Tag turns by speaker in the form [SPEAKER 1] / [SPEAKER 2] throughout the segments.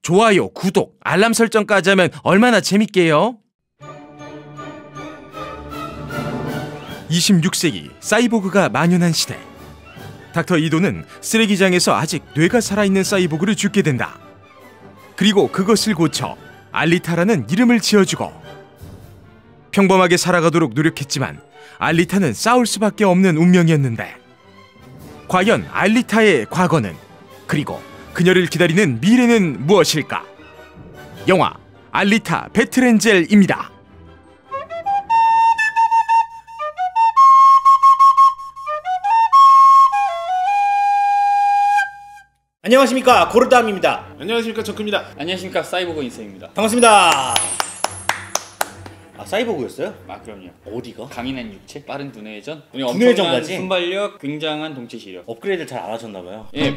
[SPEAKER 1] 좋아요, 구독, 알람 설정까지 하면 얼마나 재밌게요? 26세기 사이보그가 만연한 시대. 닥터 이도는 쓰레기장에서 아직 뇌가 살아있는 사이보그를 죽게 된다. 그리고 그것을 고쳐 알리타라는 이름을 지어주고 평범하게 살아가도록 노력했지만 알리타는 싸울 수밖에 없는 운명이었는데 과연 알리타의 과거는, 그리고 그녀를 기다리는 미래는 무엇일까? 영화 알리타 배틀엔젤입니다.
[SPEAKER 2] 안녕하십니까, 고르담입니다.
[SPEAKER 3] 안녕하십니까, 정크입니다.
[SPEAKER 4] 안녕하십니까, 사이보그 인생입니다.
[SPEAKER 2] 반갑습니다. 아, 사이보그였어요?
[SPEAKER 4] 아, 그럼요.
[SPEAKER 2] 어디가?
[SPEAKER 4] 강인한 육체, 빠른 두뇌 회전,
[SPEAKER 2] 두뇌
[SPEAKER 4] 엄청난
[SPEAKER 2] 회전까지?
[SPEAKER 4] 순발력, 굉장한 동체 시력.
[SPEAKER 2] 업그레이드를 잘 안 하셨나봐요.
[SPEAKER 4] 예,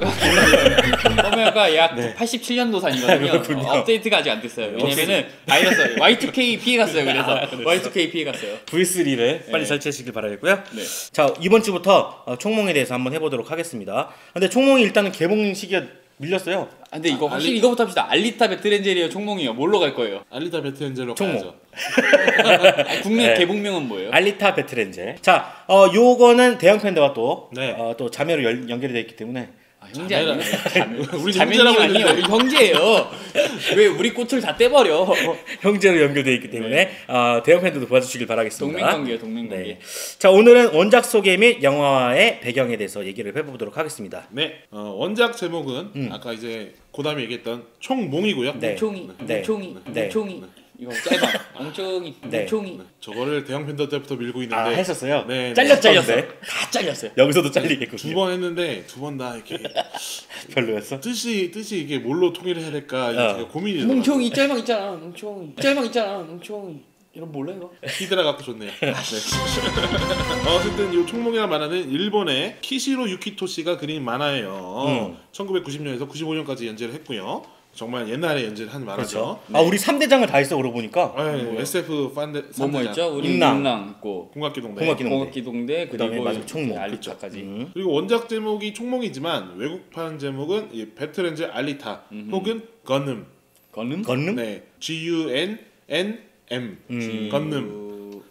[SPEAKER 4] 펌웨어가 약
[SPEAKER 2] 네.
[SPEAKER 4] 87년도산이거든요.
[SPEAKER 2] 그렇군요.
[SPEAKER 4] 업데이트가 아직 안 됐어요. 왜냐면은 바이러스 Y2K 피해갔어요. 그래서 Y2K 피해갔어요.
[SPEAKER 2] V3를 빨리
[SPEAKER 4] 네.
[SPEAKER 2] 설치하시길 바라겠고요.
[SPEAKER 4] 네.
[SPEAKER 2] 자, 이번 주부터 총몽에 대해서 한번 해보도록 하겠습니다. 근데 총몽이 일단은 개봉 시기가 밀렸어요.
[SPEAKER 4] 아, 근데 이거 확실히 이거부터 합시다. 알리타 배틀엔젤이에요, 총몽이요. 뭘로 갈 거예요?
[SPEAKER 3] 알리타 배틀엔젤로
[SPEAKER 2] 총몽.
[SPEAKER 3] 가야죠.
[SPEAKER 4] 아니, 국내
[SPEAKER 2] 네.
[SPEAKER 4] 개봉명은 뭐예요?
[SPEAKER 2] 알리타 배틀엔젤. 자, 요거는 대형 팬더와 또,
[SPEAKER 3] 네.
[SPEAKER 2] 또 자매로 연결이 되어 있기 때문에
[SPEAKER 4] 아, 형제 아니에요?
[SPEAKER 3] 우리
[SPEAKER 4] 자매님
[SPEAKER 3] 형제라고
[SPEAKER 4] 아니에요?
[SPEAKER 3] 했는데.
[SPEAKER 4] 우리 형제예요. 왜 우리 꽃을 다 떼버려?
[SPEAKER 2] 형제로 연결되어 있기 때문에 대형 팬더도 도와주시길 바라겠습니다.
[SPEAKER 4] 동맹관계예요, 동맹관계.
[SPEAKER 2] 네. 자, 오늘은 원작 소개 및 영화의 배경에 대해서 얘기를 해보도록 하겠습니다.
[SPEAKER 3] 네, 원작 제목은 아까 이제 고담이 얘기했던 총몽이고요.
[SPEAKER 2] 네.
[SPEAKER 4] 뭉총이,
[SPEAKER 2] 네.
[SPEAKER 4] 뭉총이,
[SPEAKER 2] 네.
[SPEAKER 4] 뭉총이. 이거 짧아. 뭉총이,
[SPEAKER 2] 네.
[SPEAKER 4] 뭉총이.
[SPEAKER 3] 저거를 대형 팬더 때부터 밀고 있는데
[SPEAKER 2] 아, 했었어요?
[SPEAKER 3] 네,
[SPEAKER 4] 잘렸어.
[SPEAKER 2] 네.
[SPEAKER 4] 다 잘렸어요.
[SPEAKER 2] 여기서도 잘리겠군요.
[SPEAKER 3] 두 번 했는데 두 번 다 이렇게
[SPEAKER 2] 별로였어?
[SPEAKER 3] 뜻이 이게 뭘로 통일을 해야 될까 이게 제가 고민이 되더라고요.
[SPEAKER 4] 뭉총이 짤막 있잖아. 뭉총이. 짤막 있잖아. 뭉총이. 이런 몰라 이거?
[SPEAKER 3] 히드라 갖고 좋네요. 네. 어쨌든 이 총몽이라는 만화는 일본의 키시로 유키토 씨가 그린 만화예요. 1990년에서 95년까지 연재를 했고요. 정말 옛날에 연재를 한 만화죠.
[SPEAKER 2] 그렇죠. 아, 우리 3대장을 다 했어, 그러고 보니까.
[SPEAKER 3] 네, SF 팬데
[SPEAKER 4] 뭐뭐 있죠? 우리
[SPEAKER 2] 임랑.
[SPEAKER 4] 임랑 있고
[SPEAKER 3] 공각기동대.
[SPEAKER 4] 공학기동대
[SPEAKER 2] 그다음에
[SPEAKER 4] 그리고
[SPEAKER 2] 마지막 총몽.
[SPEAKER 4] 알리타까지.
[SPEAKER 3] 그리고 원작 제목이 총몽이지만 외국판 제목은 이 배틀엔젤 알리타 혹은 건음.
[SPEAKER 4] 건음?
[SPEAKER 2] 건능?
[SPEAKER 3] 네, GUNNM. 건음.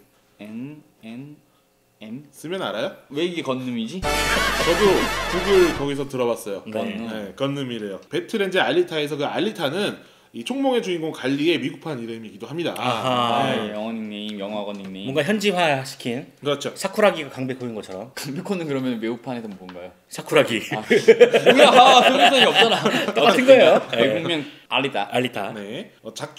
[SPEAKER 4] N
[SPEAKER 3] 쓰면 알아요?
[SPEAKER 4] 왜 이게 건음이지?
[SPEAKER 3] 저도 구글 거기서 들어봤어요.
[SPEAKER 2] 네.
[SPEAKER 3] 네, 건음이래요. 배틀엔젤 알리타에서 그 알리타는 이 총몽의 주인공 갈리의 미국판 이름이기도 합니다.
[SPEAKER 2] 아하.
[SPEAKER 4] 네, 영어 닉네임, 영어권 닉네임.
[SPEAKER 2] 뭔가 현지화시킨
[SPEAKER 3] 그렇죠.
[SPEAKER 2] 사쿠라기가 강백호인 것처럼.
[SPEAKER 4] 강백호는 그러면 외국판에서 뭔가요?
[SPEAKER 2] 사쿠라기.
[SPEAKER 4] 뭐야, 소유성이 없잖아.
[SPEAKER 2] 똑같은 거예요.
[SPEAKER 4] 외국명 알리타.
[SPEAKER 2] 알리타.
[SPEAKER 3] 네,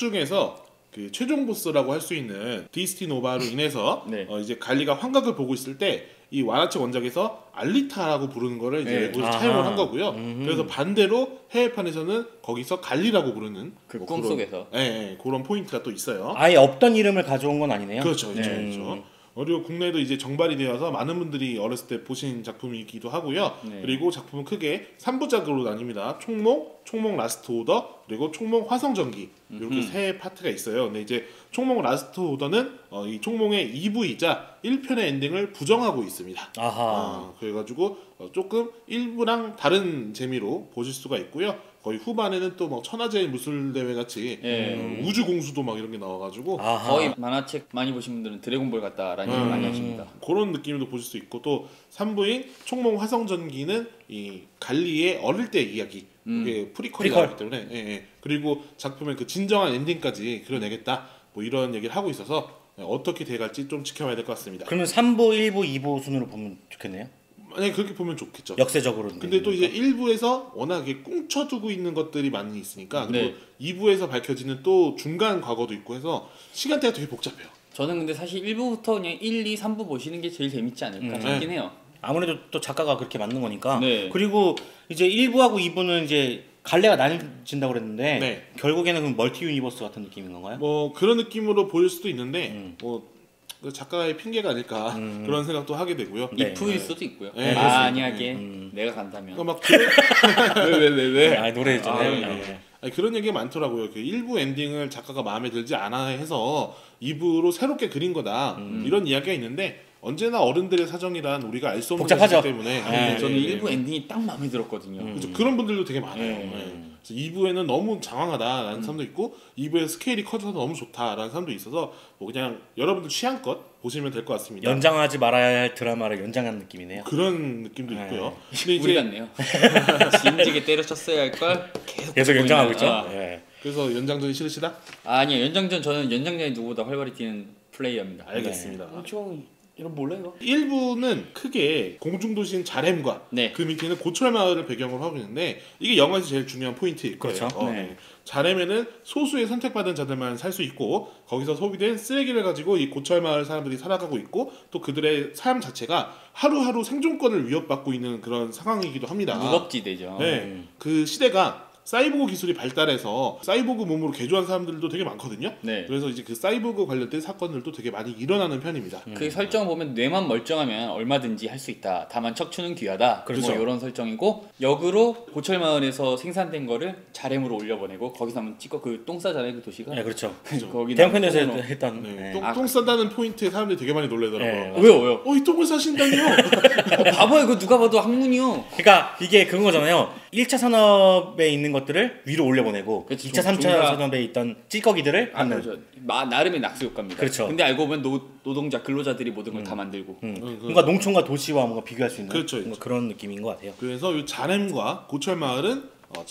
[SPEAKER 3] 작중에서 그 최종 보스라고 할 수 있는 디스티노바로 인해서
[SPEAKER 4] 네.
[SPEAKER 3] 이제 갈리가 환각을 보고 있을 때 이 만화책 원작에서 알리타라고 부르는 거를 이제
[SPEAKER 4] 네.
[SPEAKER 3] 외국에서
[SPEAKER 2] 아하.
[SPEAKER 3] 차용을 한 거고요. 그래서 반대로 해외판에서는 거기서 갈리라고 부르는
[SPEAKER 4] 그
[SPEAKER 3] 뭐
[SPEAKER 4] 꿈속에서.
[SPEAKER 3] 그런, 예, 그런 포인트가 또 있어요.
[SPEAKER 2] 아예 없던 이름을 가져온 건 아니네요.
[SPEAKER 3] 그렇죠, 그렇죠,
[SPEAKER 2] 네.
[SPEAKER 3] 그렇죠. 그리고 국내도 이제 정발이 되어서 많은 분들이 어렸을 때 보신 작품이기도 하고요.
[SPEAKER 4] 네.
[SPEAKER 3] 그리고 작품은 크게 3부작으로 나뉩니다. 총몽, 총몽 라스트 오더, 그리고 총몽 화성전기 이렇게 세 파트가 있어요. 근데 이제 총몽 라스트 오더는 이 총몽의 2부이자 1편의 엔딩을 부정하고 있습니다.
[SPEAKER 2] 아하.
[SPEAKER 3] 그래가지고 조금 1부랑 다른 재미로 보실 수가 있고요. 거의 후반에는 또 뭐 천하제일 무술대회 같이
[SPEAKER 4] 예.
[SPEAKER 3] 우주 공수도 막 이런 게 나와가지고
[SPEAKER 2] 아하.
[SPEAKER 4] 거의 만화책 많이 보신 분들은 드래곤볼 같다라는 얘기 많이 하십니다.
[SPEAKER 3] 그런 느낌도 보실 수 있고 또 3부인 총몽 화성전기는 이 갈리의 어릴 때 이야기 이게 프리퀄이 나왔기 때문에 그리고 작품의 그 진정한 엔딩까지 그려내겠다 뭐 이런 얘기를 하고 있어서 어떻게 돼갈지 좀 지켜봐야 될 것 같습니다.
[SPEAKER 2] 그러면 3부, 1부, 2부 순으로 보면 좋겠네요.
[SPEAKER 3] 만약에 그렇게 보면 좋겠죠.
[SPEAKER 2] 역세적으로.
[SPEAKER 3] 근데 또 이제 1부에서 워낙에 꽁쳐두고 있는 것들이 많이 있으니까 그리고
[SPEAKER 4] 네.
[SPEAKER 3] 2부에서 밝혀지는 또 중간 과거도 있고 해서 시간대가 되게 복잡해요.
[SPEAKER 4] 저는 근데 사실 1부부터 그냥 1, 2, 3부 보시는 게 제일 재밌지 않을까 싶긴 해요.
[SPEAKER 2] 아무래도 또 작가가 그렇게 만든 거니까.
[SPEAKER 4] 네.
[SPEAKER 2] 그리고 이제 1부하고 2부는 이제 갈래가 나뉘진다고 그랬는데
[SPEAKER 3] 네.
[SPEAKER 2] 결국에는 그 멀티 유니버스 같은 느낌인 건가요?
[SPEAKER 3] 뭐 그런 느낌으로 보일 수도 있는데 뭐 그 작가의 핑계가 아닐까 그런 생각도 하게 되고요.
[SPEAKER 2] 네.
[SPEAKER 4] 이프일 수도 있고요.
[SPEAKER 3] 네,
[SPEAKER 4] 만약에 내가 간다면.
[SPEAKER 3] 그러니까 막 그런,
[SPEAKER 4] 왜?
[SPEAKER 2] 아, 노래 있잖아요.
[SPEAKER 3] 아,
[SPEAKER 2] 네.
[SPEAKER 3] 아니, 그런 얘기가 많더라고요. 그 1부 엔딩을 작가가 마음에 들지 않아 해서 2부로 새롭게 그린 거다 이런 이야기가 있는데 언제나 어른들의 사정이란 우리가 알 수 없는
[SPEAKER 2] 복잡하죠.
[SPEAKER 3] 것이기 때문에
[SPEAKER 4] 저는 일부 엔딩이 딱 마음에 들었거든요.
[SPEAKER 3] 그렇죠. 그런 분들도 되게 많아요.
[SPEAKER 4] 네.
[SPEAKER 3] 네. 그래서 2부에는 너무 장황하다라는 사람도 있고 2부에 스케일이 커져서 너무 좋다라는 사람도 있어서 뭐 그냥 여러분들 취향껏 보시면 될 것 같습니다.
[SPEAKER 2] 연장하지 말아야 할 드라마를 연장한 느낌이네요.
[SPEAKER 3] 그런 느낌도 있고요. 근데
[SPEAKER 4] 우리 같네요. 진지하게 때려쳤어야 할 걸
[SPEAKER 2] 계속 연장하고
[SPEAKER 4] 있는,
[SPEAKER 2] 있죠. 예.
[SPEAKER 3] 그래서 연장전이 싫으시다?
[SPEAKER 4] 아니요, 연장전 저는 연장전이 누구보다 활발히 뛰는 플레이어입니다.
[SPEAKER 3] 알겠습니다.
[SPEAKER 4] 엄청 이런 몰라요.
[SPEAKER 3] 1부는 크게 공중도시인 자렘과
[SPEAKER 4] 네.
[SPEAKER 3] 그 밑에는 고철 마을을 배경으로 하고 있는데 이게 영화에서 제일 중요한 포인트일 거예요.
[SPEAKER 2] 그렇죠.
[SPEAKER 4] 네.
[SPEAKER 3] 자렘에는 소수의 선택받은 자들만 살 수 있고 거기서 소비된 쓰레기를 가지고 이 고철 마을 사람들이 살아가고 있고 또 그들의 삶 자체가 하루하루 생존권을 위협받고 있는 그런 상황이기도 합니다.
[SPEAKER 4] 무법지대죠.
[SPEAKER 3] 네, 그 시대가 사이보그 기술이 발달해서 사이보그 몸으로 개조한 사람들도 되게 많거든요.
[SPEAKER 4] 네.
[SPEAKER 3] 그래서 이제 그 사이보그 관련된 사건들도 되게 많이 일어나는 편입니다.
[SPEAKER 4] 그 설정 보면 뇌만 멀쩡하면 얼마든지 할 수 있다. 다만 척추는 귀하다.
[SPEAKER 3] 그렇죠.
[SPEAKER 4] 뭐 이런 설정이고 역으로 고철마을에서 생산된 거를 자렘으로 올려보내고 거기서 한번 찍어 그 똥 싸잖아요 그 도시가.
[SPEAKER 2] 네, 그렇죠.
[SPEAKER 4] 거기
[SPEAKER 2] 대형편에서
[SPEAKER 4] 똥으로.
[SPEAKER 2] 했던.
[SPEAKER 3] 네,
[SPEAKER 2] 네.
[SPEAKER 3] 똥 싸다는 포인트에 사람들이 되게 많이 놀래더라고요.
[SPEAKER 2] 네,
[SPEAKER 4] 왜요?
[SPEAKER 3] 이 똥을 싸신다니요?
[SPEAKER 4] 바보야 그거 누가 봐도 학문이요.
[SPEAKER 2] 그러니까 이게 그런 거잖아요. 1차 산업에 있는 것들을 위로 올려보내고
[SPEAKER 4] 그렇죠.
[SPEAKER 2] 2차, 3차
[SPEAKER 4] 종사-
[SPEAKER 2] 산업에 있던 찌꺼기들을
[SPEAKER 4] 아,
[SPEAKER 2] 하는.
[SPEAKER 4] 그렇죠. 나름의 낙수 효과입니다.
[SPEAKER 2] 그렇죠.
[SPEAKER 4] 근데 알고 보면 노동자 근로자들이 모든 걸 다 만들고.
[SPEAKER 2] 뭔가 농촌과 도시와 뭔가 비교할 수 있는
[SPEAKER 3] 그렇죠,
[SPEAKER 2] 뭔가
[SPEAKER 3] 그렇죠.
[SPEAKER 2] 그런 느낌인 것 같아요.
[SPEAKER 3] 그래서 이 자렘과 고철 마을은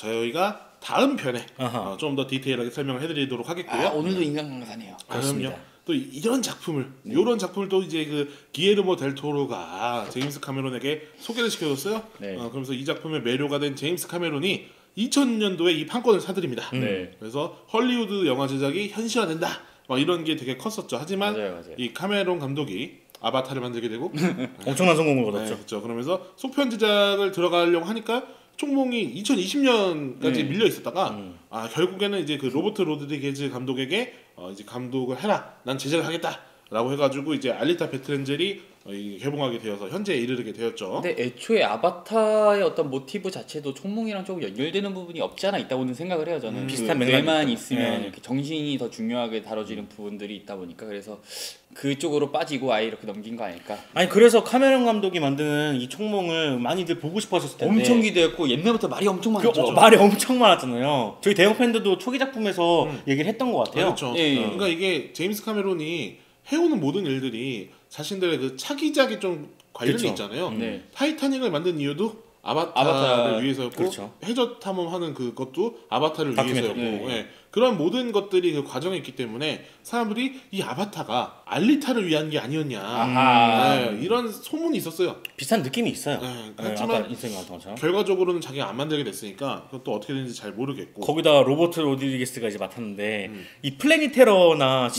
[SPEAKER 3] 저희가 다음 편에
[SPEAKER 2] 아하.
[SPEAKER 3] 좀 더 디테일하게 설명을 해드리도록 하겠고요.
[SPEAKER 4] 아, 오늘도 인간강사네요.
[SPEAKER 3] 그럼요. 또 이런 작품을 이런 작품을 또 이제 그 기에르모 델 토로가 제임스 카메론에게 소개를 시켜줬어요.
[SPEAKER 4] 네.
[SPEAKER 3] 그러면서 이 작품의 매료가 된 제임스 카메론이 2000년도에 이 판권을 사들입니다.
[SPEAKER 4] 네.
[SPEAKER 3] 그래서 헐리우드 영화 제작이 현실화된다. 막 이런 게 되게 컸었죠. 하지만
[SPEAKER 4] 맞아요.
[SPEAKER 3] 이 카메론 감독이 아바타를 만들게 되고
[SPEAKER 2] 엄청난 성공을
[SPEAKER 3] 네,
[SPEAKER 2] 거뒀죠.
[SPEAKER 3] 그렇죠. 그러면서 속편 제작을 들어가려고 하니까 총몽이 2020년까지 밀려 있었다가 결국에는 이제 그 로버트 로드리게즈 감독에게 이제 감독을 해라. 난 제작을 하겠다라고 해가지고 이제 알리타 베트렌젤이 개봉하게 되어서 현재에 이르게 되었죠.
[SPEAKER 4] 근데 애초에 아바타의 어떤 모티브 자체도 총몽이랑 조금 연결되는 부분이 없지 않아 있다고는 생각을 해요. 저는
[SPEAKER 2] 비슷한
[SPEAKER 4] 그
[SPEAKER 2] 맥락이
[SPEAKER 4] 뇌만
[SPEAKER 2] 있다.
[SPEAKER 4] 있으면
[SPEAKER 2] 네.
[SPEAKER 4] 이렇게 정신이 더 중요하게 다뤄지는 부분들이 있다 보니까 그래서 그쪽으로 빠지고 아예 이렇게 넘긴 거 아닐까.
[SPEAKER 2] 아니 그래서 카메론 감독이 만드는 이 총몽을 많이들 보고 싶어하셨을 텐데
[SPEAKER 4] 엄청 기대했고 옛날부터 말이 엄청 많았죠.
[SPEAKER 2] 말이 엄청 많았잖아요. 저희 대형 팬들도 초기 작품에서 얘기를 했던 것 같아요.
[SPEAKER 3] 그렇죠.
[SPEAKER 4] 예, 예.
[SPEAKER 3] 그러니까 이게 제임스 카메론이 해오는 모든 일들이 자신들의 그 차기작에 좀 관련이
[SPEAKER 2] 그렇죠.
[SPEAKER 3] 있잖아요.
[SPEAKER 4] 네.
[SPEAKER 3] 타이타닉을 만든 이유도 아바타를
[SPEAKER 4] 아바타,
[SPEAKER 3] 위해서였고
[SPEAKER 2] 그렇죠.
[SPEAKER 3] 해저 탐험하는 그것도 아바타를
[SPEAKER 2] 다큐멘터리.
[SPEAKER 3] 위해서였고
[SPEAKER 4] 네.
[SPEAKER 3] 예. 그런 모든 것들이 그 과정에 있기 때문에 사람들이 이 아바타가 알리타를 위한 게 아니었냐
[SPEAKER 4] 아하.
[SPEAKER 3] 이런 소문이 있었어요.
[SPEAKER 2] 비슷한 느낌이 있어요.
[SPEAKER 3] 네,
[SPEAKER 2] 네,
[SPEAKER 3] 하지만
[SPEAKER 2] 아까 인생 같은 것처럼.
[SPEAKER 3] 결과적으로는 자기가 안 만들게 됐으니까 그것도 어떻게 되는지 잘 모르겠고
[SPEAKER 2] 거기다 로버트 로드리게스가 이제 맡았는데 이 플래닛 테러나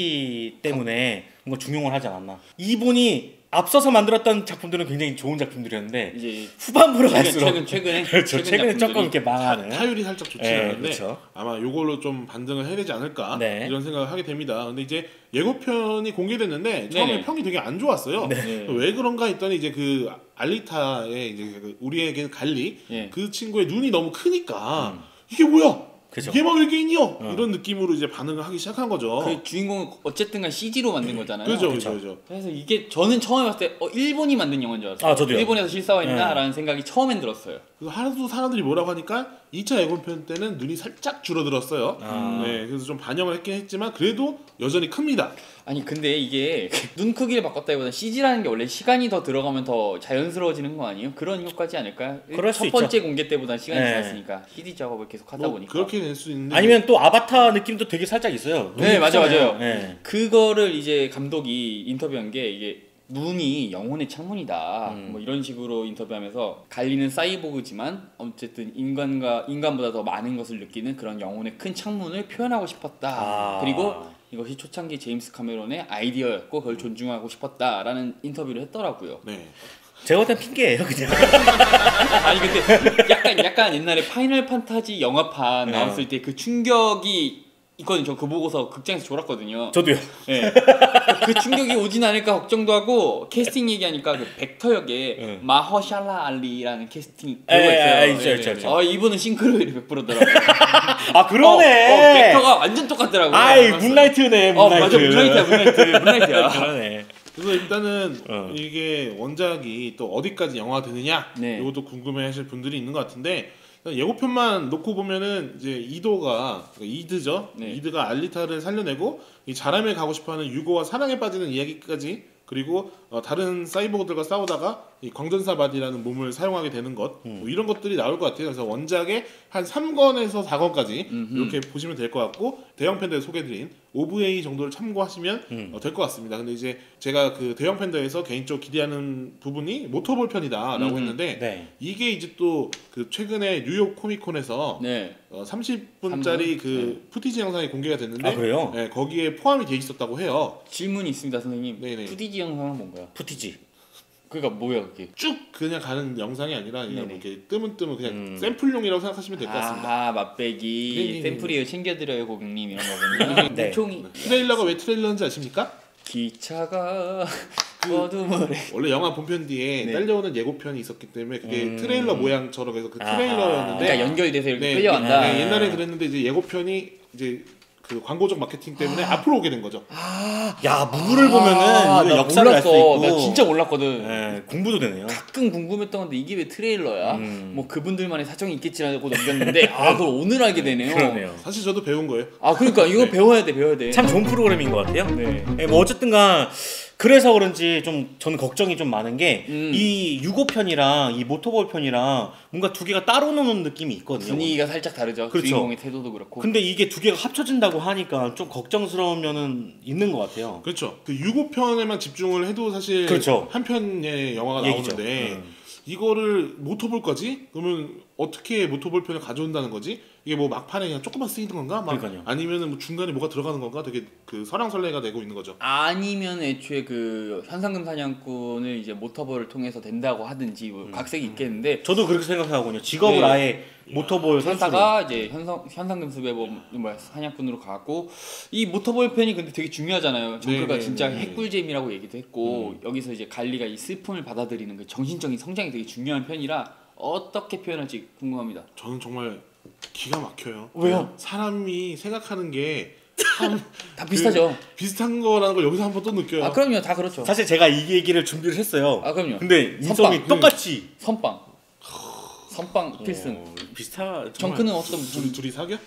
[SPEAKER 2] CCT 때문에 뭔가 중용을 하지 않았나. 이분이 앞서서 만들었던 작품들은 굉장히 좋은 작품들이었는데
[SPEAKER 4] 이제
[SPEAKER 2] 후반부로 갈수록
[SPEAKER 4] 최근에
[SPEAKER 2] 그렇죠. 최근에
[SPEAKER 4] 작품들이
[SPEAKER 2] 조금 이렇게 망하는.
[SPEAKER 3] 타율이 살짝 좋지
[SPEAKER 2] 네,
[SPEAKER 3] 않은데
[SPEAKER 2] 그렇죠.
[SPEAKER 3] 아마 요걸로 좀 반등을 해야 되지 않을까
[SPEAKER 2] 네.
[SPEAKER 3] 이런 생각을 하게 됩니다. 근데 이제 예고편이 공개됐는데 처음에
[SPEAKER 4] 네네.
[SPEAKER 3] 평이 되게 안 좋았어요.
[SPEAKER 4] 네.
[SPEAKER 3] 왜 그런가 했더니 이제 그 알리타의 이제 그 우리에게는 갈리
[SPEAKER 4] 예.
[SPEAKER 3] 그 친구의 눈이 너무 크니까 이게 뭐야?
[SPEAKER 2] 그죠.
[SPEAKER 3] 얘만 외계인이요? 이런 느낌으로 이제 반응을 하기 시작한 거죠.
[SPEAKER 4] 그 주인공은 어쨌든간 CG로 만든 거잖아요.
[SPEAKER 3] 그죠,
[SPEAKER 2] 그쵸.
[SPEAKER 3] 그죠, 그죠.
[SPEAKER 4] 그래서 이게 저는 처음에 봤을 때 일본이 만든 영화인 줄 알았어요.
[SPEAKER 2] 아, 저도요.
[SPEAKER 4] 일본에서 실사화했나라는 생각이 처음엔 들었어요.
[SPEAKER 3] 그래서 하도 사람들이 뭐라고 하니까 2차 예고편 때는 눈이 살짝 줄어들었어요. 네, 그래서 좀 반영을 했긴 했지만 그래도 여전히 큽니다.
[SPEAKER 4] 아니 근데 이게 눈 크기를 바꿨다기보다 CG라는 게 원래 시간이 더 들어가면 더 자연스러워지는 거 아니에요? 그런 효과지 않을까요?
[SPEAKER 2] 그럴 수
[SPEAKER 4] 첫 번째 공개 때보다 시간이
[SPEAKER 2] 네.
[SPEAKER 4] 지났으니까 CD 작업을 계속 하다
[SPEAKER 3] 뭐
[SPEAKER 4] 보니까
[SPEAKER 3] 그렇게 될 수 있는데
[SPEAKER 2] 아니면 또 아바타 느낌도 되게 살짝 있어요.
[SPEAKER 4] 네,
[SPEAKER 2] 눈이
[SPEAKER 4] 맞아요,
[SPEAKER 2] 크잖아요.
[SPEAKER 4] 맞아요.
[SPEAKER 2] 네.
[SPEAKER 4] 그거를 이제 감독이 인터뷰한 게 이게 눈이 영혼의 창문이다. 뭐 이런 식으로 인터뷰하면서 갈리는 사이보그지만 어쨌든 인간보다 더 많은 것을 느끼는 그런 영혼의 큰 창문을 표현하고 싶었다.
[SPEAKER 2] 아.
[SPEAKER 4] 그리고 이것이 초창기 제임스 카메론의 아이디어였고 그걸 존중하고 싶었다라는 인터뷰를 했더라고요.
[SPEAKER 3] 네.
[SPEAKER 2] 제가 볼 땐 핑계예요 그냥.
[SPEAKER 4] 아니 근데 약간 옛날에 파이널 판타지 영화판
[SPEAKER 2] 네.
[SPEAKER 4] 나왔을 때 그 충격이 있거든요. 저 그거 보고서 극장에서 졸았거든요.
[SPEAKER 2] 저도요.
[SPEAKER 4] 네. 그 충격이 오진 않을까 걱정도 하고 캐스팅 얘기하니까 그 벡터 역에 마허샬라 알리라는 캐스팅 배우가 있어요.
[SPEAKER 2] 있죠.
[SPEAKER 4] 이분은 싱크로율이 100%더라고요.
[SPEAKER 2] 아 그러네.
[SPEAKER 4] 벡터가 완전 똑같더라고요.
[SPEAKER 2] 아이 문라이트네.
[SPEAKER 4] 맞아 문라이트야.
[SPEAKER 2] 그러네.
[SPEAKER 3] 그래서 일단은 이게 원작이 또 어디까지 영화가 되느냐
[SPEAKER 4] 네.
[SPEAKER 3] 이것도 궁금해하실 분들이 있는 것 같은데 예고편만 놓고 보면은 이제 이도가 그러니까 이드죠.
[SPEAKER 4] 네.
[SPEAKER 3] 이드가 알리타를 살려내고 이 자람에 가고 싶어하는 유고와 사랑에 빠지는 이야기까지 그리고 다른 사이보그들과 싸우다가 이 광전사 바디라는 몸을 사용하게 되는 것 뭐 이런 것들이 나올 것 같아요. 그래서 원작의 한 3권에서 4권까지 이렇게 보시면 될 것 같고 대형 팬더에 소개드린 OVA 정도를 참고하시면 될 것 같습니다. 근데 이제 제가 그 대형 팬더에서 개인적으로 기대하는 부분이 모터볼 편이다라고 했는데
[SPEAKER 2] 네.
[SPEAKER 3] 이게 이제 또 그 최근에 뉴욕 코미콘에서
[SPEAKER 4] 네.
[SPEAKER 3] 30분짜리 그 푸티지 영상이 공개가 됐는데
[SPEAKER 2] 아, 그래요?
[SPEAKER 3] 네, 거기에 포함이 돼 있었다고 해요.
[SPEAKER 4] 질문이 있습니다, 선생님.
[SPEAKER 3] 네네.
[SPEAKER 4] 푸디지 영상은 뭔가요?
[SPEAKER 2] 푸티지.
[SPEAKER 4] 그러니까 뭐야 그게?
[SPEAKER 3] 쭉 그냥 가는 영상이 아니라 그냥
[SPEAKER 4] 네네.
[SPEAKER 3] 이렇게 뜨문뜨문 그냥 샘플용이라고 생각하시면 될 것 같습니다.
[SPEAKER 4] 아하, 맛배기
[SPEAKER 3] 네네네.
[SPEAKER 4] 샘플이에요. 챙겨드려요 고객님 이런 거군요.
[SPEAKER 2] 네.
[SPEAKER 4] 총이
[SPEAKER 3] 트레일러가 왜 트레일러인지 아십니까?
[SPEAKER 4] 기차가 어둠을
[SPEAKER 3] 원래 영화 본편 뒤에
[SPEAKER 4] 네.
[SPEAKER 3] 딸려오는 예고편이 있었기 때문에 그게 트레일러 모양처럼 해서 그
[SPEAKER 2] 아하.
[SPEAKER 3] 트레일러였는데
[SPEAKER 4] 그러니까 연결돼서 이렇게
[SPEAKER 3] 네,
[SPEAKER 4] 끌려간다.
[SPEAKER 3] 네, 옛날에 그랬는데 이제 예고편이 이제 그 광고적 마케팅 때문에 앞으로 오게 된 거죠.
[SPEAKER 2] 야 무브를 보면은
[SPEAKER 4] 아,
[SPEAKER 2] 이거
[SPEAKER 4] 나
[SPEAKER 2] 역사를 알 수
[SPEAKER 4] 몰랐어.
[SPEAKER 2] 있고.
[SPEAKER 4] 나 진짜 몰랐거든.
[SPEAKER 2] 네, 공부도 되네요.
[SPEAKER 4] 가끔 궁금했던 건데 이게 왜 트레일러야? 뭐 그분들만의 사정이 있겠지라고 넘겼는데 아 그걸 오늘 알게 되네요.
[SPEAKER 2] 그러네요.
[SPEAKER 3] 사실 저도 배운 거예요.
[SPEAKER 4] 아 그러니까 이거
[SPEAKER 3] 네.
[SPEAKER 4] 배워야 돼.
[SPEAKER 2] 참 좋은 프로그램인 것 같아요.
[SPEAKER 4] 네.
[SPEAKER 2] 네, 뭐 어쨌든간 그래서 그런지 좀 저는 걱정이 좀 많은 게 이 유고편이랑 이 모터볼 편이랑 뭔가 두 개가 따로 노는 느낌이 있거든요.
[SPEAKER 4] 분위기가 살짝 다르죠.
[SPEAKER 2] 그렇죠.
[SPEAKER 4] 주인공의 태도도 그렇고.
[SPEAKER 2] 근데 이게 두 개가 합쳐진다고 하니까 좀 걱정스러운 면은 있는 것 같아요.
[SPEAKER 3] 그렇죠. 그 유고편에만 집중을 해도 사실
[SPEAKER 2] 그렇죠.
[SPEAKER 3] 한 편의 영화가
[SPEAKER 2] 얘기죠.
[SPEAKER 3] 나오는데 이거를 모터볼까지? 그러면 어떻게 모터볼 편을 가져온다는 거지? 이게 뭐 막판에 그냥 조금만 쓰이는 건가? 막
[SPEAKER 2] 그러니까요.
[SPEAKER 3] 아니면은 뭐 중간에 뭐가 들어가는 건가? 되게 그 설왕설래가 되고 있는 거죠.
[SPEAKER 4] 아니면 애초에 그 현상금 사냥꾼을 이제 모터볼을 통해서 된다고 하든지 뭐 각색이 있겠는데
[SPEAKER 2] 저도 그렇게 생각하거든요. 직업을
[SPEAKER 4] 네.
[SPEAKER 2] 아예 모터볼 선수로.
[SPEAKER 4] 하다가 이제 현상금 수배범 뭐야 사냥꾼으로 가고 이 모터볼 편이 근데 되게 중요하잖아요. 정크가
[SPEAKER 3] 네,
[SPEAKER 4] 진짜
[SPEAKER 3] 네.
[SPEAKER 4] 핵꿀잼이라고 얘기도 했고 여기서 이제 갈리가 이 슬픔을 받아들이는 그 정신적인 성장이 되게 중요한 편이라 어떻게 표현할지 궁금합니다.
[SPEAKER 3] 저는 정말 기가 막혀요.
[SPEAKER 4] 왜요?
[SPEAKER 3] 사람이 생각하는 게 참
[SPEAKER 4] 다 비슷하죠.
[SPEAKER 3] 비슷한 거라는 걸 여기서 한번 또 느껴요.
[SPEAKER 4] 아 그럼요, 다 그렇죠.
[SPEAKER 2] 사실 제가 이 얘기를 준비를 했어요.
[SPEAKER 4] 아 그럼요.
[SPEAKER 2] 근데 인성이
[SPEAKER 4] 선빵.
[SPEAKER 2] 똑같이
[SPEAKER 4] 선빵 필승.
[SPEAKER 2] 비슷하.
[SPEAKER 4] 정크는 어떤
[SPEAKER 3] 둘이 사겨?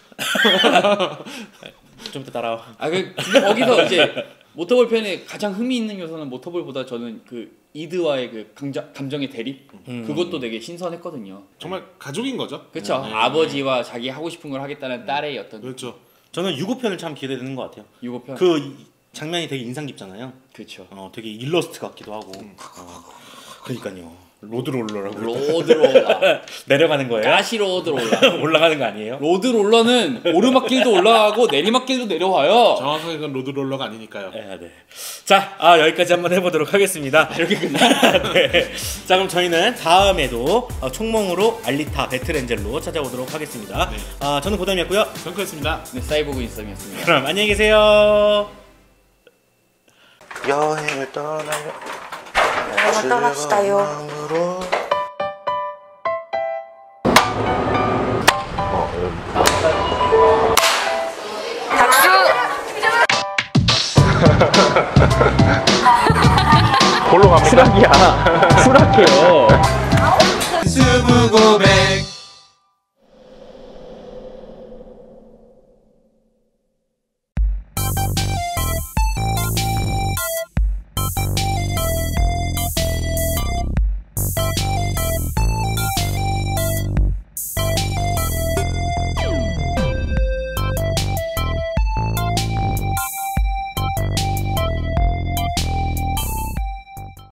[SPEAKER 2] 좀 더 따라와.
[SPEAKER 4] 근데 거기서 이제 모터볼 편에 가장 흥미 있는 요소는 모터볼보다 저는 그 이드와의 그 감정의 대립 그것도 되게 신선했거든요.
[SPEAKER 3] 정말 가족인 거죠.
[SPEAKER 4] 그렇죠.
[SPEAKER 2] 네.
[SPEAKER 4] 아버지와 자기 하고 싶은 걸 하겠다는 딸의 어떤
[SPEAKER 3] 그렇죠.
[SPEAKER 2] 저는 유고편을 참 기대되는 것 같아요.
[SPEAKER 4] 유고편.
[SPEAKER 2] 그 장면이 되게 인상 깊잖아요.
[SPEAKER 4] 그렇죠.
[SPEAKER 2] 되게 일러스트 같기도 하고. 그러니까요. 로드롤러라고.
[SPEAKER 4] 로드롤러.
[SPEAKER 2] 내려가는 거예요?
[SPEAKER 4] 가시 로드롤러.
[SPEAKER 2] 올라가는 거 아니에요?
[SPEAKER 4] 로드롤러는 오르막길도 올라가고 내리막길도 내려와요.
[SPEAKER 3] 정확하게 그건 로드롤러가 아니니까요.
[SPEAKER 2] 네. 자, 여기까지 한번 해보도록 하겠습니다.
[SPEAKER 4] 이렇게 끝나.
[SPEAKER 2] 네. 자, 그럼 저희는 다음에도 총몽으로 알리타 배틀엔젤로 찾아오도록 하겠습니다.
[SPEAKER 3] 네.
[SPEAKER 2] 저는 고담이었고요.
[SPEAKER 3] 정크였습니다.
[SPEAKER 4] 네, 사이보그 인썸이었습니다.
[SPEAKER 2] 그럼 안녕히 계세요.
[SPEAKER 5] 여행을 떠나요.
[SPEAKER 6] 떠납시다요.
[SPEAKER 5] 마음으로.
[SPEAKER 6] 박수!
[SPEAKER 4] 추락이야. 추락해요.